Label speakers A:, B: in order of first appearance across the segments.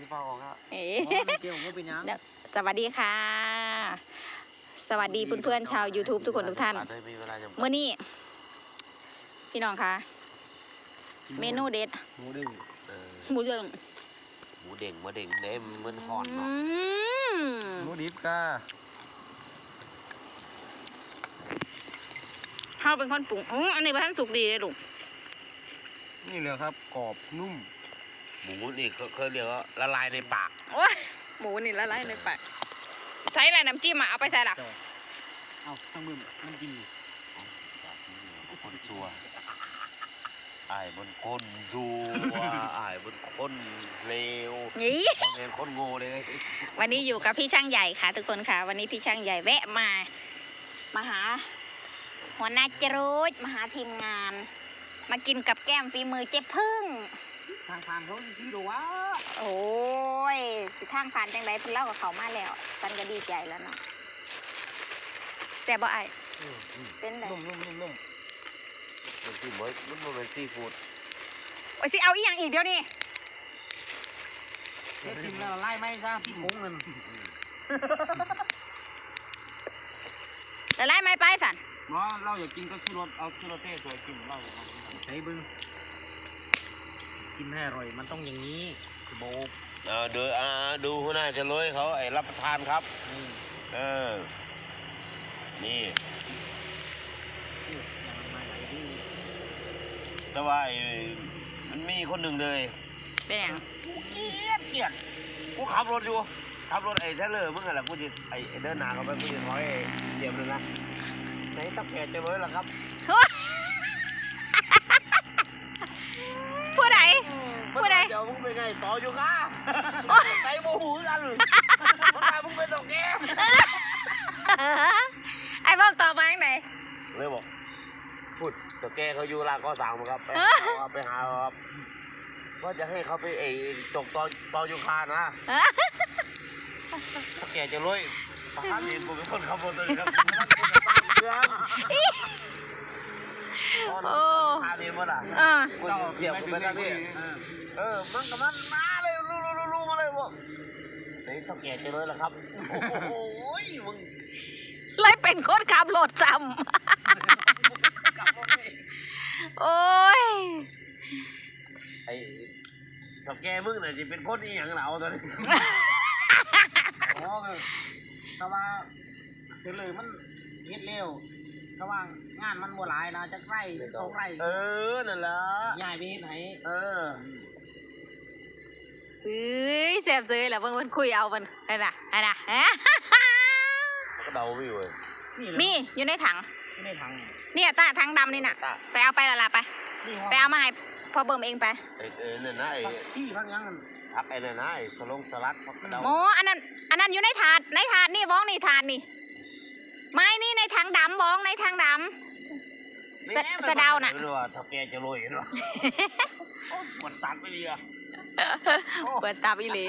A: เปล่าของครับ
B: เกี่ยวกับเป็นยัง
C: สวัสดีค่ะสวัสดีเพื่อนๆชาว YouTube ทุกคนทุกท่านเมื่อนี้พี่น้องคะเมนูเด็ด
B: หมูเด้ง
C: หมูเด้ง
A: หมูเด้งเด้มันห่อนเนาะ
B: หมูดิบกา
C: ข้าวเป็นคนปรุงอันนี้ท่านสุกดีเลยลูก
B: นี่เลยครับกรอบนุ่ม
A: หมูนี่เขาเรียกว่าละลายในปาก
C: โอ้ยหมูนี่ละลายในปากใช้อะไรน้ำจิ้มเอาไปใส่หรอ
B: เอาสังมือมันกิน
A: คนชัวไอ้บนคนชัวไอ้บนคนเลว
C: นี่
A: เป็นคนโง่เลย
C: วันนี้อยู่กับพี่ช่างใหญ่ค่ะทุกคนค่ะวันนี้พี่ช่างใหญ่แวะมาหาหัวหน้าจรูดมาหาทีมงานมากินกับแก้มฝีมือเจ๊พึ่ง
B: ทางผ่านเขาซีดูวะ
C: โอ้ยสิทางผ่านจังไรเพิ่นเล่ากับเขามาแล้วตันก็ดีใจแล้วเนาะแซ่บบ่ไอ้เป็นไง
A: นุ่มมันคือมันเป็นซีฟู้ด
C: โอ้ยสิเอาอีกอย่างอีกเดี๋ยวนี้
B: เฮ็ดกินแล้วไล่ไม่ซะพี่มงเงิน
C: แล้วไล่ไม่ไปสัน
B: เราอยากกินก็ชูรสเอาชูรสเต้ตัวกินเราใช้บึ้งกินให้อร่อยมันต้องอย่างนี้โบก
A: ดูหัวหน้าจะเลยเขาไอ้รับประทานครับนี่แต่ว่ามันมีคนหนึ่งเลย
C: เป็นยัง
A: เกลียดกูขับรถอยู่ขับรถไอ้เทเลอร์มึงอะไรกูจะไอ้เดินหนาเขาไปกูจะถอยเดียบเลยนะไหนตักแกจะเลยล่ะครับ
C: ผู้ใด
A: เดี๋ยวมึงไปไงต่ออยู่ค่ะไปโมหูกันมึงไปตกแก
C: ไอ้บ้องต่อมาอย่างไหน
A: เลยบอกพูดตกแกเขาอยู่ร้านก็สั่งมาครับไปหาครับว่าจะให้เขาไปจกตอยูคานะตกแกจะรวยทหารเองผมเป็นคนขับรถเลยครับโอ้ทหารเองมั้งล่ะกูเสียบไปทางนี้มันกับมันมาเลยรู้มาเลยบอกไอ้ตกแกจะรวยล่ะครับโอ้ยมึง
C: เลยเป็นคนขับรถจำโอ้ย
A: ไอ้ถ้าแกมึงเนี่ยจะเป็นคนอีหยังเหล่าตอนนี้
B: แต่ว่าคือเลยมันเฮ็ดเร็วระหว่างงานมันบัวหลายนะจะไร่สองไร่
A: นั่นแหละ
B: ยายไปเฮ็ดไหน
C: เสียบซื้อแหละเพิ่งคุยเอามันไอ้น่ะ
A: ก็เดาไม่เลย
C: มีอยู่ในถังเนี่ยถังดำนี่น่ะไปเอาไปละไปเอามาให้พอเบิ่มเองไป
A: นั่นนะ
B: ที่พักยังกัน
A: พักไอ้นั่นนะสลัด
C: โอ้อันนั้นอยู่ในถาดนี่บ้องนี่ถาดนี่ไม่นี่ในถังดำบ้องในถังดำสะเดาน่ะ
A: ไม่รู้ว่าถ้าแกจะรวยเห็นหรอปวดตับไปเลยอ่ะ
C: ปวดตับอีหลี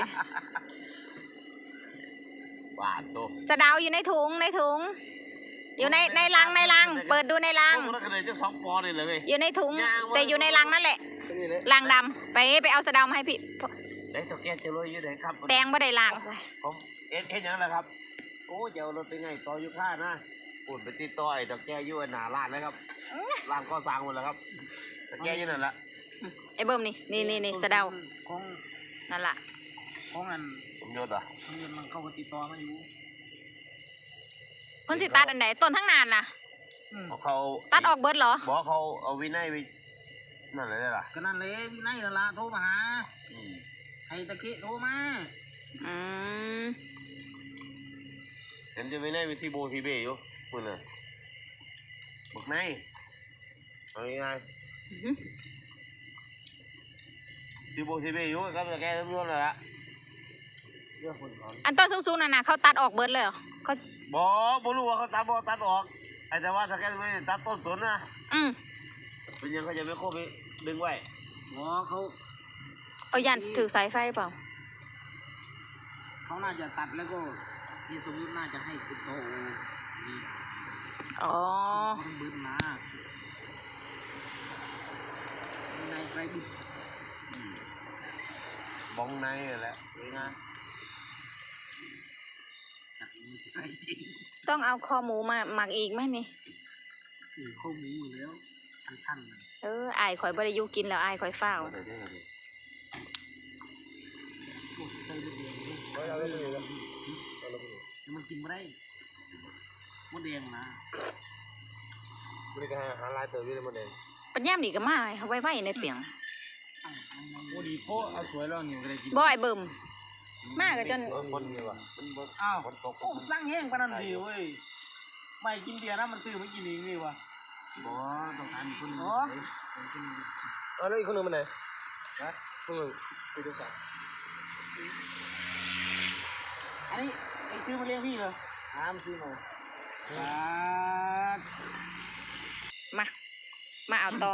A: บาดตัว
C: สะเดาอยู่ในถุงอยู่ในลังเปิดดูในลังอยู่ในถุงแต่อยู่ในลังนั่นแหละลังดำไปเอาสะเดามาให้พี่
A: ไหนตกแกจะรวยอยู่ไหนครับ
C: แตงไม่ได้ลัง
A: ผมเอ็นยังไงครับโอ้เจ้ารถเป็นไงต่ออยู่ข้านะปุ่นไปติดต่อไอ้ตกแกอยู่หนาร้านนะครับร้านก็สร้างหมดแล้วครับตกแกอยู่นั่นแหละ
C: ไอ้เบิ้มนี่สะเดานั่นแหละ
B: ของอัน
A: ผมยศอ่ะ
B: มันเข้าติดต่อมาอยู่
C: คนสิตัดอันไหนต้นทั้งนานล่ะ
A: เขา
C: ตัดออกเบิร์ดเหรอ
A: บอกเขาเอาวินัยไปนั่นเลยล่ะ
B: ก็นั่นเลยวินัยละโทรมาหาไอ้ตะกี้โทรมา
A: เห็นจะวินัยไปที่โบทีเบอยู่คุณน่ะบอกไงเอายังไงที่โบทีเบอยู่ครับแต่แกทั้งหมดเลยละ
C: อันต้นสูงๆนั่นน่ะเขาตัดออกเบิร์ดเลยเหรอเขา
A: บอกรู้ว่าเขาตัดออกไอ้แต่ว่าถ้าแกไม่ตัดต้นสนนะเป็นยังเขาจะไม่โค้งไปดึงไว้
C: เขายันถือสายไฟเปล่า
B: เขาน่าจะตัดแล้วก็พี่สมมติน่าจะให้ติดโตนี่
C: ต้อง
B: บึ้นนะในไกลบึ้น
A: บ้องในแหละนี่นะ
C: ต้องเอาคอหมูมาหมักอีกไหมนี่
B: ข้าวหมูอยู่แล้วชั้นๆเลย
C: อายข่อยบริยุกินแล้วอายข่อยเฝ้า
A: เดี๋ยวได้เลย
B: โอ้ใส่ลูกแดงเลย
A: เอาเลยเลย
B: แต่มันกินไม่ได้มดแดงนะ
A: บริการหาลายเติมด้วยมันเอง
C: ปัญญามนี่ก็มาเอาไว้ในเปียง
B: โอ้ดีโป๊ะเอาสวยแล้วนี่ก็ได้กิน
C: บ่อยเบิ่มมากก็จน
A: คนนี่ว่ะมันบด
B: อ้าว
A: คนตก
B: โอ้สร้างแห้งปานนั้นดีเว้ยไม่กินเบียร์นะมันซื้อไม่กินเองนี่วะบ่ต้องการคนอ๋อ
A: เอาแล้วอีกคนนึงมันไหนนะคนนึงไปดูสัก
B: อันนี้ไอ้ซื้อมาเลี้ยงพี่เหรอมันซื้อมา
C: มาเอาต่อ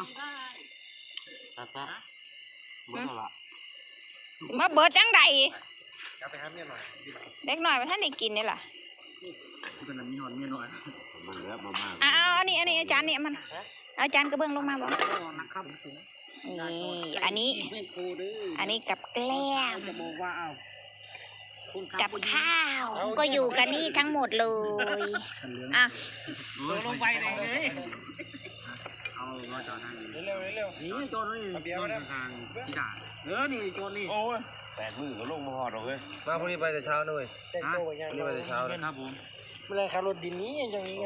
A: ครับมันเท่าไหร่
C: มาเบิดจังใด
A: จะไปหาเมียหน่อย
C: เด็กหน่อยว่าท่านได้กินนี่ล่ะ
B: ตอนนั้นมีหอนเมียน้อย
A: มันเหลือมา
C: เอาอันนี้อาจารย์นี่มันเอาจารย์กระเบื้องลงมาบ่
B: นักครับ
C: นี่อันนี้กับแกล้ม
B: จะบอกว่าเอา
C: กับข้าว ก็อยู่กันนี่ทั้งหมดเลยอ่ะ
B: ลงไปเลยเอาว่าจอดนั่นเร็วนี่จอดนี่จอดทางที่ด่านี่จอดนี่โอ้ย
A: 8 มื้อก็ลงมาหอดหรอกเว้ย
D: มาพรุ่งนี้ไปแต่เช้าด้วย
B: ฮะ
D: พรุ่งนี้ไปแต่เช้าเลย
B: ครับผม
D: เมื่อไรขับรถดินนี้อย่างนี้กัน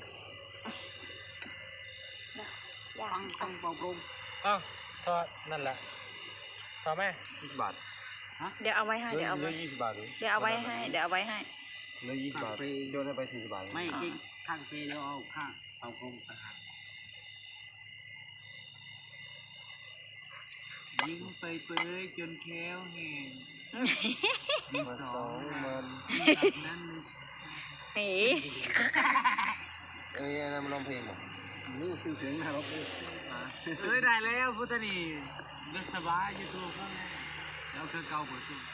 B: ตั้งเป่าโปร่ง
D: อ้าวทอดนั่นแหละทอดไหม
A: 20 บาท
C: เดี๋ยวเอาไว้ให้
D: เหลื
C: เดี๋ยวเอา
D: อ
C: ไว้
D: 20 บาทเลย
C: เดี๋ยวเอาไว้ให้เดี๋ยวเอาไว้ให้
D: เหลือ20 บาทโยนให้ไป40 บาท
B: ไม่จริงข้างเฟรแล้วเอาข้างเป่าโปร่งต่างหากยิงไปเปยจนแค้วแห้ง
D: มาสองมัน
B: นั้น
C: นี่
D: เอ้ยนั่นมันร้องเพลงเหรอ
B: รู้คือเสียงนะครับได้แล้วพุทธนี่เบสบายยูทูบแล้วคือเก่าหัวชุ่ม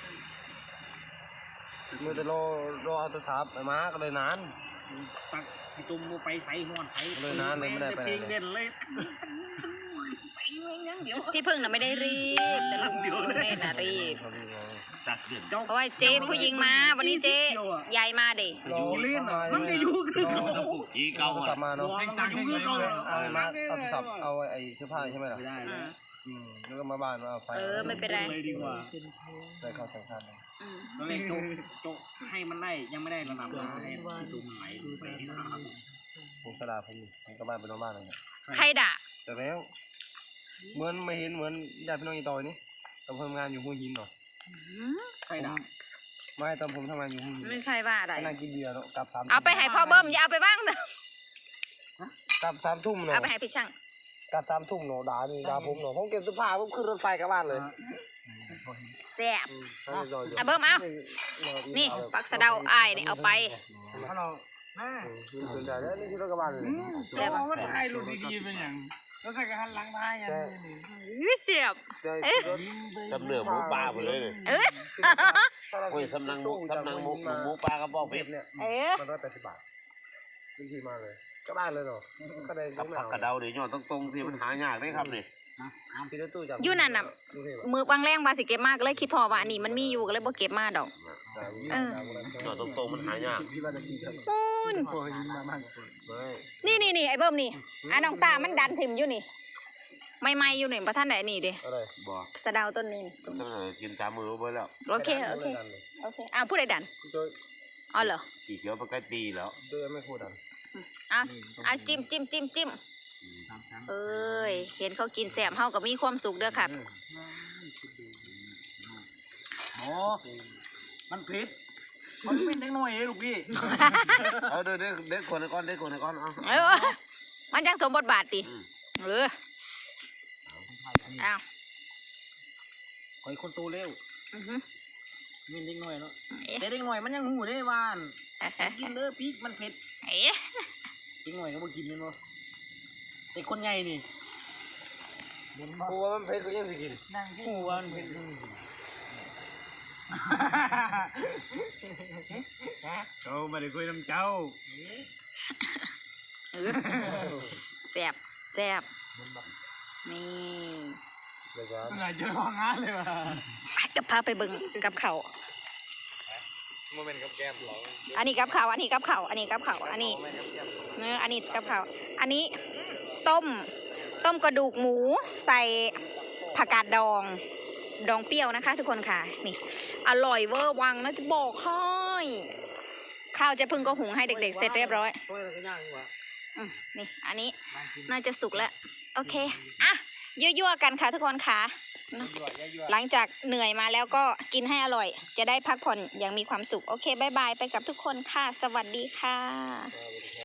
D: มือจะรอเอาโทรศัพท์ไปมาก็เลยนาน
B: ตักที่ตุ้มไปใส่หัวใส่
D: เลยนานเลยไม่ได้ไปไหน
B: เพลงเด่นเลยใส่เมืองยังเดี๋ยว
C: พี่พึ่งน่ะไม่ได้รีบแต่ลุงเล่นน่ะรีบ
A: ตัดเดือน
C: เพราะว่าเจ๊ผู้หญิงมาวันนี้เจ๊ยายมาดิ
D: อยู่เล่น
B: มันจะอยู่คือ
A: อีเก่า
D: โทร
A: หมด
D: ศัพท์มาเนาะ
B: เพลงตักอยู่คือเก่า
D: เอามาเอาโทรศัพท์เอาไอ้เสื้อผ้าใช่ไหมล่ะ
B: ไม่ได้แล้ว
D: แล้วก็มาบ้านมาเอาไฟ
C: ไม่เป็นไร
B: เลยดีกว่า
D: ได้เข้าแข่งขัน
B: ตอนแรกโจให้มันได้ยังไม่ได้ระดับนะให้ที่ตุ้มไหลไปที่น้ำ
D: ผมกระดาษผมก็บ้านไปนอนบ้านเลย
C: ใครด่า
D: แต่แล้วเหมือนไม่เห็นเหมือนญาติพี่น้องอีต่อยนี่ตอนผมทำงานอยู่หัวหินเนาะ
B: ใครด่า
D: ไม่ตอนผมทำงานอยู่หัวหิน
C: ไม่ใครว่าอะไร
D: ก็นั่งกินเบียร์เนาะกลับ3
C: เอาไปให้พ่อเบิ้มอย่าเอาไปบ้างเถอะ
D: กลับ3 ทุ่มเนาะ
C: เอาไปให้พี่ช่าง
D: กลับ3 ทุ่มเนาะด่าผมเนาะผมเก็บเสื้อผ้าผมขึ้นรถไฟกลับบ้านเลย
C: แซ่บ
D: ให้รออยู่
C: อ่ะเบิ้มเอานี่ปักสะเดาอ้ายนี่เอาไป
B: ฮัลโหลแม่
D: ขึ้นได้แล้วนี่คือรถกลับบ้านเลย
C: แซ่บ
B: ว่าถ่ายรูปดีๆเป็นอย่างแล้วใส่กระหันหลังท้ายอย่างนี้
C: อุ๊ยเสียบ
A: จำเนื้อหมูปลาไปเลย โอ้ยสำนักหมูปลากระบอกเพชร
D: เนี่ย มัน180 บาทวิธีมาเลยกลับบ้านเลยเนาะก็ได้
A: กับผักกระเดาเดี๋ยวย้อนตรงๆสิมันหายากได้ครับนี่
D: พี่รถตู้จับ
C: อยู่นั่นน่ะ มือบางแรงบาสิเก็บมากเลยคิดพอว่าอันนี้มันมีอยู่ก็เลยบ่เก็บมาดอก
A: ย้อนตรงๆมันหายาก
D: พี่ว่าจะกินครับ
C: ปูน
D: พอหินมาบ้างไม่
C: นี่ไอ้เบิ้มนี่อ่ะน้องตามันดันถิ่มอยู่นี่ไม่อยู่นี่ประท่านไหนนี่ดิ
D: อะไร
A: บอก
C: สะเดาต้นนี้นี่
A: ต้องกิน3 มื้อไปแล้ว
C: โอเคอ้าวผู้ใดดัน
D: โดย
C: อ๋อเหรอ
A: สีเขียวไปใกล้ตีแล้ว
D: โดยไม่พูดดัน
C: อ่ะจิ้มเอ้ยเห็นเขากินแสบเฮาก็มีความสุขเด้อครับ
B: โอ้มันผิดมันเป็นเด็กน้อยเองลูกพี่
A: เอาเด็กคนก่อนเอา
C: เออมันจังสมบทบาทติอ้าว
B: คอยคนโตเร็ว
C: อือฮึ
B: มีเด็กน้อยเนาะแต่เด็กน้อยมันยังหูได้บ้านกินเด้อพริกมันเผ็ด
C: เอ๊ะ
B: เด็กน้อยก็บ่กินเลยเนาะแต่คนใหญ่นี่
D: กูว่ามันเผ็ดก็ยังสิกิน
B: หูว่ามันเผ็ดเจ้ามาได้คุยน้ำเจ้า
C: แสบนี่
B: ไหนเจอของงานเลยว่ะ
C: เดี๋ยวพาไปเบิ่งกับเขาว
D: โมเมนต์กับแก้มหรอ
C: อันนี้กับเขาวอันนี้กับเขาวอันนี้กับเขาวอันนี้อันนี้กับเขาวอันนี้ต้มกระดูกหมูใส่ผักกาดดองเปรี้ยวนะคะ ทุกคนค่ะนี่อร่อยเวอร์วังนะจะบอกให้ข้าวเจะพึ่งก็หุงให้เด็กๆเสร็จเรียบร้อย
B: ช่วยอะไรกันย่างดีกว่า
C: นี่อันนี้น่าจะสุกแล้วโอเคอ่ะยั่วๆกันค่ะทุกคนค่ะหลังจากเหนื่อยมาแล้วก็กินให้อร่อย จะได้พักผ่อนอย่างมีความสุขโอเคบายบายไปกับทุกคนค่ะสวัสดีค่ะ